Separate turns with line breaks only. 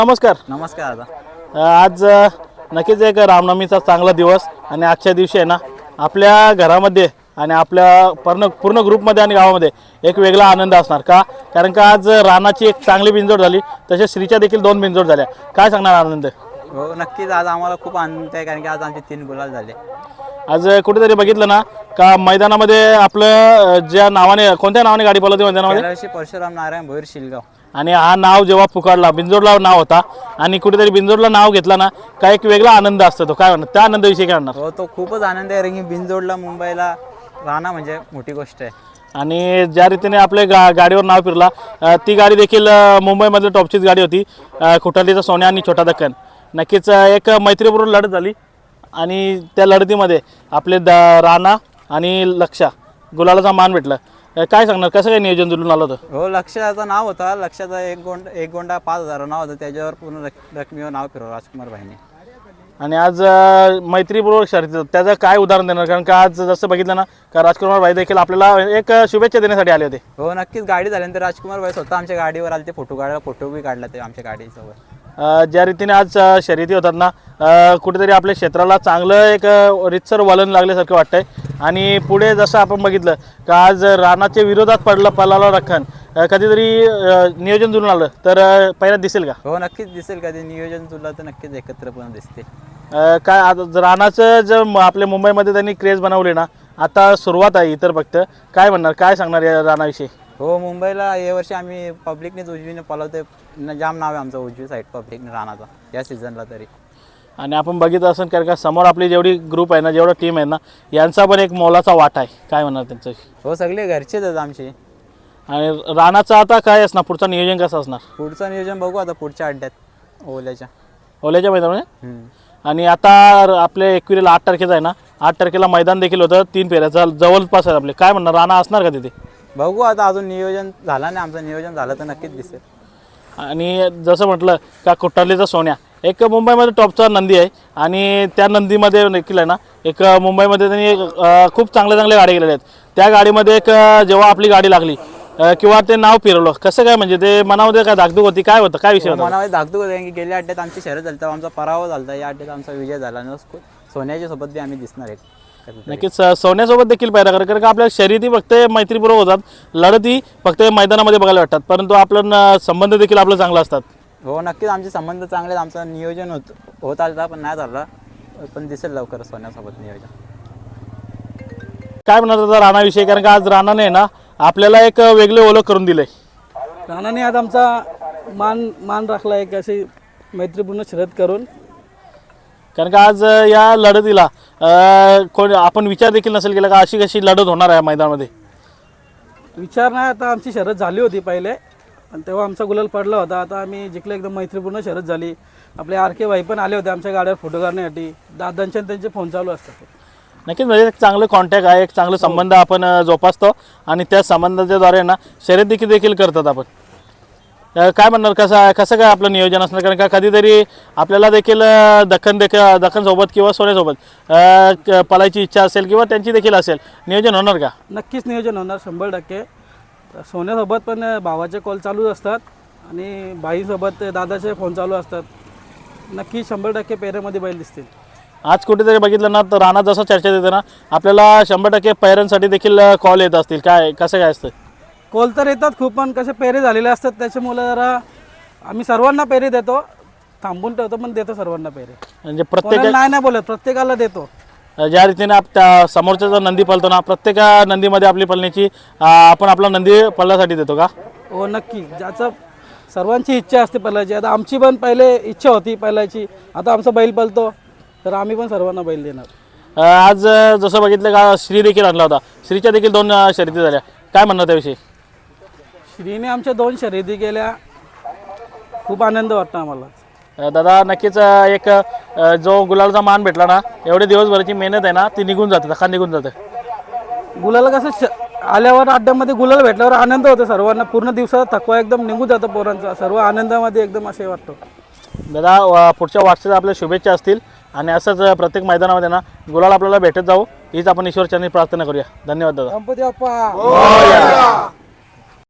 नमस्कार.
नमस्कार दादा.
आज नक्कीच एक रामनवमीचा चांगला दिवस आणि आजच्या दिवशी आहे ना आपल्या घरामध्ये आणि आपल्या पूर्ण ग्रुपमध्ये आणि गावामध्ये एक वेगळा आनंद असणार का, कारण का आज रानाची एक चांगली बिंजोड झाली, तसेच श्रीच्या देखील 2 बिंजोड झाल्या. काय सांगणार आनंद?
हो नक्कीच, आज आम्हाला खूप आनंद आहे कारण की आज आमचे 3 गुलाल झाले.
आज कुठेतरी बघितलं ना का मैदानामध्ये आपलं ज्या नावाने, कोणत्या नावाने गाडी पळवली मैदानामध्ये?
कैलाशी परशुराम नारायण भोईर शिलगाव.
आणि हा नाव जेव्हा पुकारला, बिंजोडला नाव होता आणि कुठेतरी बिंजोडला नाव घेतला ना का एक वेगळा आनंद असतो. तो काय म्हणणार, त्या आनंदाविषयी काय म्हणणार?
हो, तो खूपच आनंद आहे कारण की बिनजोडला मुंबईला राहणं म्हणजे मोठी गोष्ट आहे.
आणि ज्या रीतीने आपल्या गाडीवर नाव फिरला, ती गाडी देखील मुंबईमधली टॉपचीच गाडी होती, खुटालीचा सोन्या आणि छोटा दक्कन. नक्कीच एक मैत्रीपूर्ण लढत झाली आणि त्या लढतीमध्ये आपले राणा आणि लक्षा गुलालाचा मान भेटला. काय सांगणार, कसं काय नियोजन जुळून आलं होतं?
हो, लक्षाचं नाव होता, लक्षाचा एक गोंडा 5,000 नाव होतं, त्याच्यावर पूर्ण रकमेवर नाव फिरवलं राजकुमार भाईने.
आणि आज मैत्रीपूर्वक शर्यत, त्याचं काय उदाहरण देणार? कारण का आज जसं बघितलं ना का राजकुमार भाई देखील आपल्याला एक शुभेच्छा देण्यासाठी आले होते.
हो नक्कीच, गाडी झाल्यानंतर राजकुमार भाई स्वतः आमच्या गाडीवर आले, ते फोटो काढायला, फोटो बी काढला ते आमच्या गाडीसोबत.
ज्या रीतीने आज शर्यती होतात ना, कुठेतरी आपल्या क्षेत्राला चांगलं एक रितसर वलन लागल्यासारखं वाटतंय. आणि पुढे जसं आपण बघितलं का आज रानाच्या विरोधात पळाला रखन, कधीतरी नियोजन जुळून आलं तर पहिला दिसेल का?
हो नक्कीच दिसेल, कधी नियोजन जुळलं तर नक्कीच एकत्रपणे दिसते.
काय आता रानाचं जर आपल्या मुंबईमध्ये त्यांनी क्रेज बनवले ना, आता सुरुवात आहे इतर फक्त. काय म्हणणार, काय सांगणार या रानाविषयी?
हो, मुंबईला या वर्षी आम्ही पब्लिकनेच उजवीने पळवते, जाम नाव आहे आमचं उजवी साईड पब्लिकने राहण्याचा या सीझनला तरी. आणि
आपण बघितलं असेल कारण का समोर आपली जेवढी ग्रुप आहे ना, जेवढा टीम आहे ना, यांचा पण एक मोलाचा वाटा आहे. काय म्हणणार त्यांचं?
हो, सगळे घरचेच आहेत आमचे.
आणि रानाचं आता काय असणार, पुढचं नियोजन कसं असणार?
पुढचं नियोजन बघू आता पुढच्या अड्ड्यात
ओल्याच्या मैदानामध्ये. आणि आता आपले 21 8 तारखेचा आहे ना, 8 तारखेला मैदान देखील होतं, 3 फेऱ्याचा जवळपास आहे आपले. काय म्हणणार, राणा असणार का तिथे?
बघू आता, अजून नियोजन झालं नाही आमचं, नियोजन झालं तर नक्कीच दिसेल.
आणि जसं म्हटलं का कुट्टालीचा सोन्या एक मुंबईमध्ये टॉपचा नंदी आहे आणि त्या नंदीमध्ये देखील आहे ना एक मुंबईमध्ये त्यांनी खूप चांगल्या गाड्या गेलेल्या आहेत. त्या गाडीमध्ये एक जेव्हा आपली गाडी लागली किंवा ते नाव फिरवलं, कसं काय, म्हणजे ते मनामध्ये काय धाकधूक होती, काय होतं, काय विषय होता?
मनामध्ये धाकधूक होती की गेल्या अड्ड्यात आमची शर्यत झाली तेव्हा आमचा पराभव झाला, या अड्ड्यात आमचा विजय झाला आणि सोन्याच्या सोबत बी आम्ही दिसणार आहे.
नक्कीच सोन्यासोबत देखील पायरा कारण का आपल्या शर्यती फक्त मैत्रीपूर्वक होतात, लढती फक्त मैदानामध्ये बघायला वाटतात, परंतु आपलं संबंध देखील आपलं चांगलं असतात.
हो नक्कीच, आमचे संबंध चांगले, आमचं नियोजन होत आलं पण नाही झालं, पण दिसेल लवकर सोन्यासोबत नियोजन.
काय म्हणत होता राणाविषयी, कारण का आज राणाने ना आपल्याला एक वेगळे ओळख करून दिले.
राणाने आज आमचा मान राखला एक अशी मैत्रीपूर्ण शर्यत करून.
कारण का आज या लढतीला कोण आपण विचार देखील नसेल केला का अशी कशी लढत होणार आहे मैदानामध्ये?
विचार नाही, आता आमची शर्यत झाली होती पहिले आणि तेव्हा आमचा गुलाल पडला होता. आता आम्ही जिंकलं, एकदम मैत्रीपूर्ण शर्यत झाली. आपले RK भाई पण आले होते आमच्या गाड्यावर फोटो काढण्यासाठी, दादांचे त्यांचे फोन चालू असतात.
नक्कीच, म्हणजे एक चांगलं कॉन्टॅक्ट आहे, एक चांगलं संबंध आपण जोपासतो आणि त्या संबंधाच्या द्वारे ना शर्यत देखील करतात आपण. काय म्हणणार, कसं काय आपलं नियोजन असणार? कारण का कधीतरी आपल्याला देखील दक्खन सोबत किंवा सोन्यासोबत पळायची इच्छा असेल किंवा त्यांची देखील असेल, नियोजन होणार का?
नक्कीच नियोजन होणार 100%. सोन्यासोबत पण भावाचे कॉल चालूच असतात आणि बाईसोबत दादाचे फोन चालू असतात. नक्की 100% पेऱ्यामध्ये बैल दिसतील.
आज कुठेतरी बघितलं ना तर राणा जसं चर्चा देते ना, आपल्याला 100% पैऱ्यांसाठी देखील कॉल येत असतील. कसं काय असतं?
कॉल तर येतात खूप, पण कसे पेरे झालेले असतात त्याच्यामुळे जरा आम्ही सर्वांना पेरे देतो, थांबून ठेवतो पण देतो सर्वांना पेरे.
म्हणजे प्रत्येक
नाही बोलत, प्रत्येकाला देतो.
ज्या रीतीने त्या समोरचा जो नंदी पळतो ना, प्रत्येक नंदीमध्ये आपली पळण्याची आपण आपला नंदी पळण्यासाठी देतो का?
हो नक्की, ज्याचं सर्वांची इच्छा असते पळायची. आता आमची पण पहिले इच्छा होती पळायची, आता आमचा बैल पळतो तर आम्ही पण सर्वांना बैल देणार.
आज जसं बघितलं का श्री देखील आणला होता, श्रीच्या देखील 2 शर्यती झाल्या. काय म्हणणार त्याविषयी?
श्रीने आमच्या 2 शर्यती केल्या, खूप आनंद वाटतो आम्हाला.
दादा नक्कीच एक जो गुलालचा मान भेटला ना, एवढे दिवसभराची मेहनत आहे ना ती निघून जाते, धक्का निघून जाते.
गुलाल कसं आल्यावर अड्ड्यामध्ये गुलाल भेटल्यावर आनंद होतो सर्वांना, पूर्ण दिवसाचा थकवा एकदम निघून जातो पोरांचा, सर्व आनंदामध्ये एकदम असे वाटतो.
दादा पुढच्या वाटचालीला आपल्या शुभेच्छा असतील आणि असंच प्रत्येक मैदानामध्ये ना गुलाल आपल्याला भेटत जाऊ हीच आपण ईश्वरचरणी प्रार्थना करूया. धन्यवाद दादा.
गणपती बाप्पा.